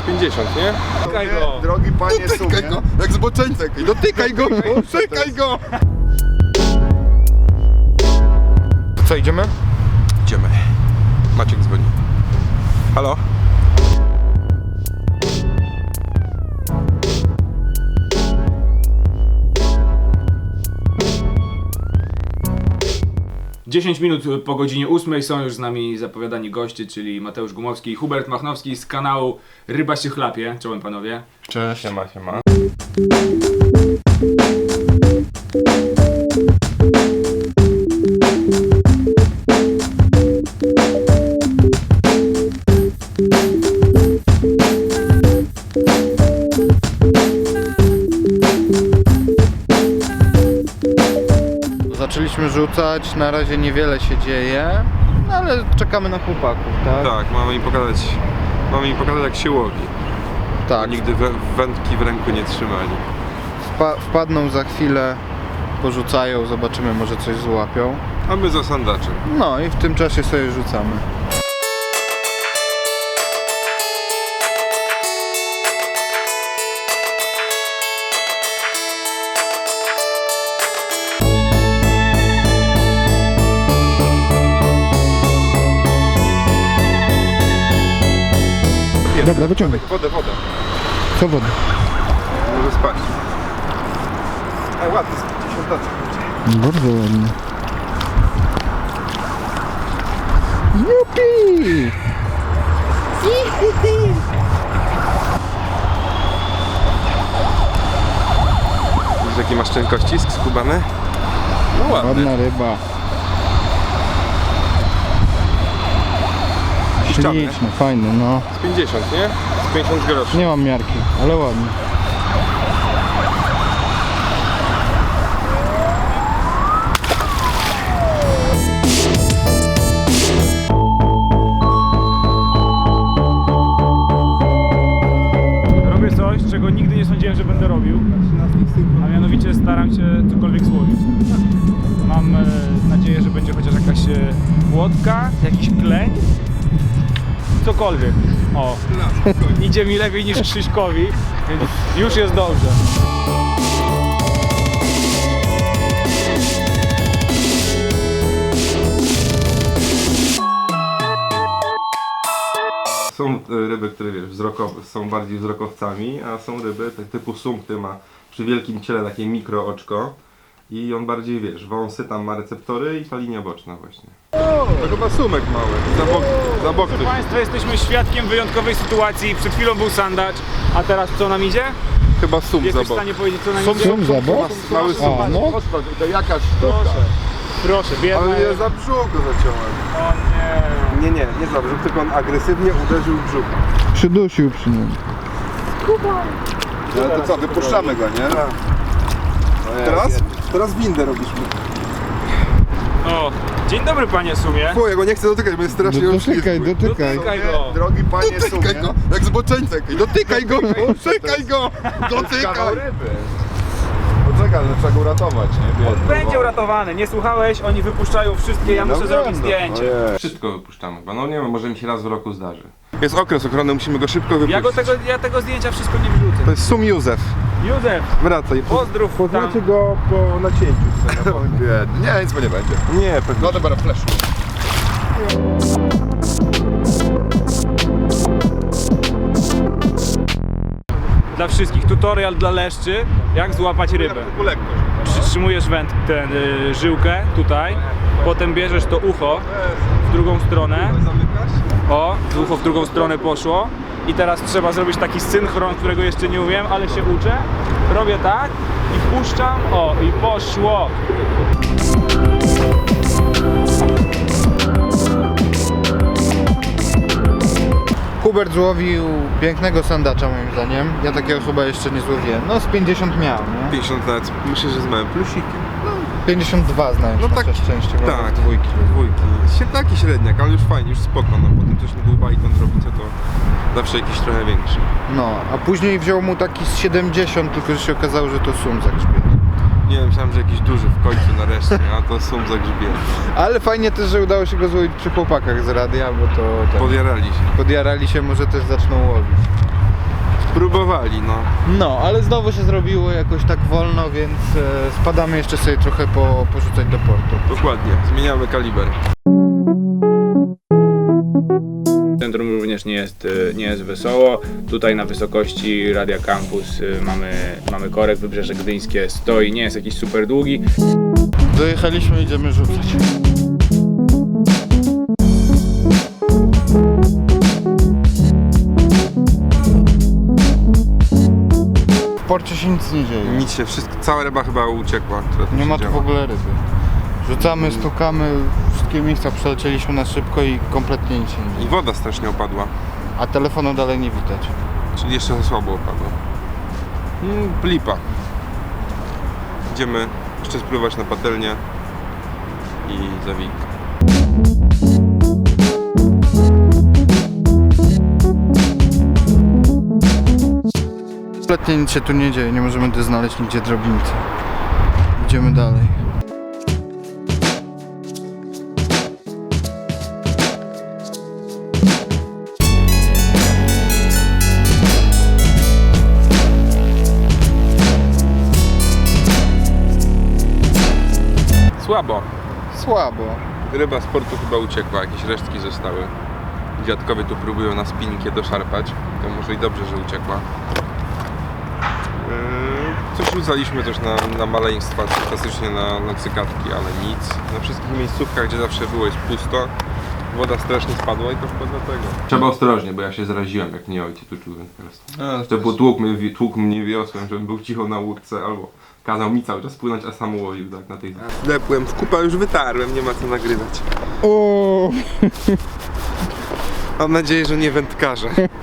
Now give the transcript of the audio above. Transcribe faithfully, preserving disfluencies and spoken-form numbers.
pięćdziesiąt, nie? Dotykaj go! Drogi panie Dotykaj go! Jak zboczeńcek! Dotykaj go! Dotykaj go! Co, idziemy? Idziemy. Maciek dzwoni. Halo? dziesięć minut po godzinie ósmej są już z nami zapowiadani goście, czyli Mateusz Gumowski i Hubert Machnowski z kanału Ryba się chlapie. Czołem panowie. Cześć. Siema, siema. Zaczęliśmy rzucać, na razie niewiele się dzieje, no ale czekamy na chłopaków, tak? Tak, mamy im pokazać, mamy im pokazać jak się łowi. Tak. Nigdy wę wędki w ręku nie trzymali. Wpa wpadną za chwilę, porzucają, zobaczymy, może coś złapią. A my za sandaczem. No i w tym czasie sobie rzucamy. Dobra, wyciągaj. Wodę, wodę. Co woda? Może spać. A ładny, z pięćdziesiąt. Bardzo ładnie. Jupi! Widzisz jaki masz cienkościsk skubany? No ładny. Ładna ryba. Ściany. Śliczny, fajny, no. Z pięćdziesiąt, nie? Z pięćdziesiąt groszy. Nie mam miarki, ale ładny. Robię coś, czego nigdy nie sądziłem, że będę robił. A mianowicie staram się cokolwiek złowić. Mam e, nadzieję, że będzie chociaż jakaś e, łódka, jakiś kleń. Cokolwiek. O, idzie mi lepiej niż Krzyśkowi, więc już jest dobrze. Są y, ryby, które wiesz, wzrokowe, są bardziej wzrokowcami, a są ryby tak typu sum, który ma przy wielkim ciele takie mikro oczko i on bardziej, wiesz, wąsy, tam ma receptory i ta linia boczna właśnie. To chyba sumek mały, za bok, za bok Proszę coś. Państwa, jesteśmy świadkiem wyjątkowej sytuacji. Przed chwilą był sandacz, a teraz co nam idzie? Chyba sum za Jesteś w bok. stanie powiedzieć, co nam Sum, idzie? Sum za bok? Mały sum. A, no. To jakaś Proszę, proszę, biedny. Ale ja za brzuch go zaciąłem. O nie. Nie, nie, nie za brzuch, tylko on agresywnie uderzył w brzuch. Przydusił przy nim. No to co, wypuszczamy go, nie? Teraz? Teraz windę robisz mi. O, dzień dobry panie Sumie. Fuj, ja go nie chcę dotykać, bo jest strasznie Dotykaj, uszczypły. dotykaj. Dotykaj go. Drogi panie Dotykaj go, jak zboczeńcek. Dotykaj go, dotykaj go, dotykaj. Poczekaj, ale trzeba go uratować, nie? On będzie uratowany, nie słuchałeś? Oni wypuszczają wszystkie, ja muszę zrobić zdjęcie. Wszystko wypuszczamy chyba, no nie wiem, może mi się raz w roku zdarzy. Jest okres ochrony, musimy go szybko wypuścić. Ja, go tego, ja tego zdjęcia wszystko nie wrzucę. To jest Sum Józef. Józef, Wracaj. pozdrów tam. Poznacie go po nacięciu. Nie, nie, nic mu nie będzie. Nie, pewnie. No dobra, flash. Dla wszystkich, tutorial dla leszczy, jak złapać rybę. Tylko lekkość. Przytrzymujesz węd, ten y, żyłkę tutaj, potem bierzesz to ucho w drugą stronę. Zamykasz? O, ucho w drugą stronę poszło. I teraz trzeba zrobić taki synchron, którego jeszcze nie umiem, ale się uczę. Robię tak i wpuszczam. O, i poszło. Hubert złowił pięknego sandacza moim zdaniem. Ja takiego chyba jeszcze nie złowiłem. No z pięćdziesiąt miał, nie? pięćdziesiąt lat, myślę, że z małym plusikiem. pięćdziesiąt dwa znając No no tak, nasze szczęście, bo tak. dwójki. Dwójki. Się taki średniak, ale już fajnie, już spoko. No potem coś na dłuba i kontrowice to zawsze jakiś trochę większy. No, a później wziął mu taki z siedemdziesiąt, tylko że się okazało, że to sum za grzbiet. Nie wiem, myślałem, że jakiś duży w końcu nareszcie, a to Sum za grzbiet. Ale fajnie też, że udało się go złowić przy chłopakach z radia, bo to tak, Podjarali się. podjarali się, może też zaczną łowić. pilnowali, no. No, ale znowu się zrobiło jakoś tak wolno, więc e, spadamy jeszcze sobie trochę po, porzucać do portu. Dokładnie, zmieniamy kaliber. Centrum również nie jest, y, nie jest wesoło. Tutaj na wysokości Radia Campus y, mamy, mamy korek, Wybrzeże Gdyńskie stoi, nie jest jakiś super długi. Dojechaliśmy, idziemy rzucać. W porcie się nic nie dzieje. Nic się, wszystko, cała ryba chyba uciekła, która tu Nie ma tu siedziała. w ogóle ryby. Rzucamy, stukamy, wszystkie miejsca przelecieliśmy na szybko i kompletnie nic się nie I dzieje. woda strasznie opadła, A telefonu dalej nie widać. czyli jeszcze za słabo opadła. Mm, lipa. Idziemy jeszcze spływać na patelnię i zawik. Kompletnie nic się tu nie dzieje, nie możemy tu znaleźć nigdzie drobnicy. Idziemy dalej. Słabo. Słabo. Ryba z portu chyba uciekła, jakieś resztki zostały. Dziadkowie tu próbują na spinningie doszarpać, to może i dobrze, że uciekła. Yy, Coś rzucaliśmy też na, na maleństwa, klasycznie na, na cykadki, ale nic. Na wszystkich miejscówkach, gdzie zawsze było, jest pusto. Woda strasznie spadła i to chyba dlatego. Trzeba ostrożnie, bo ja się zaraziłem, jak nie ojciec uczuł wędkarstwo. To potłukł mnie, tłukł mnie wiosłem, żebym był cicho na łódce, albo kazał mi cały czas płynąć, a sam łowił tak na tej... Wlepłem w kupa, już wytarłem, nie ma co nagrywać. O, Mam nadzieję, że nie wędkarze.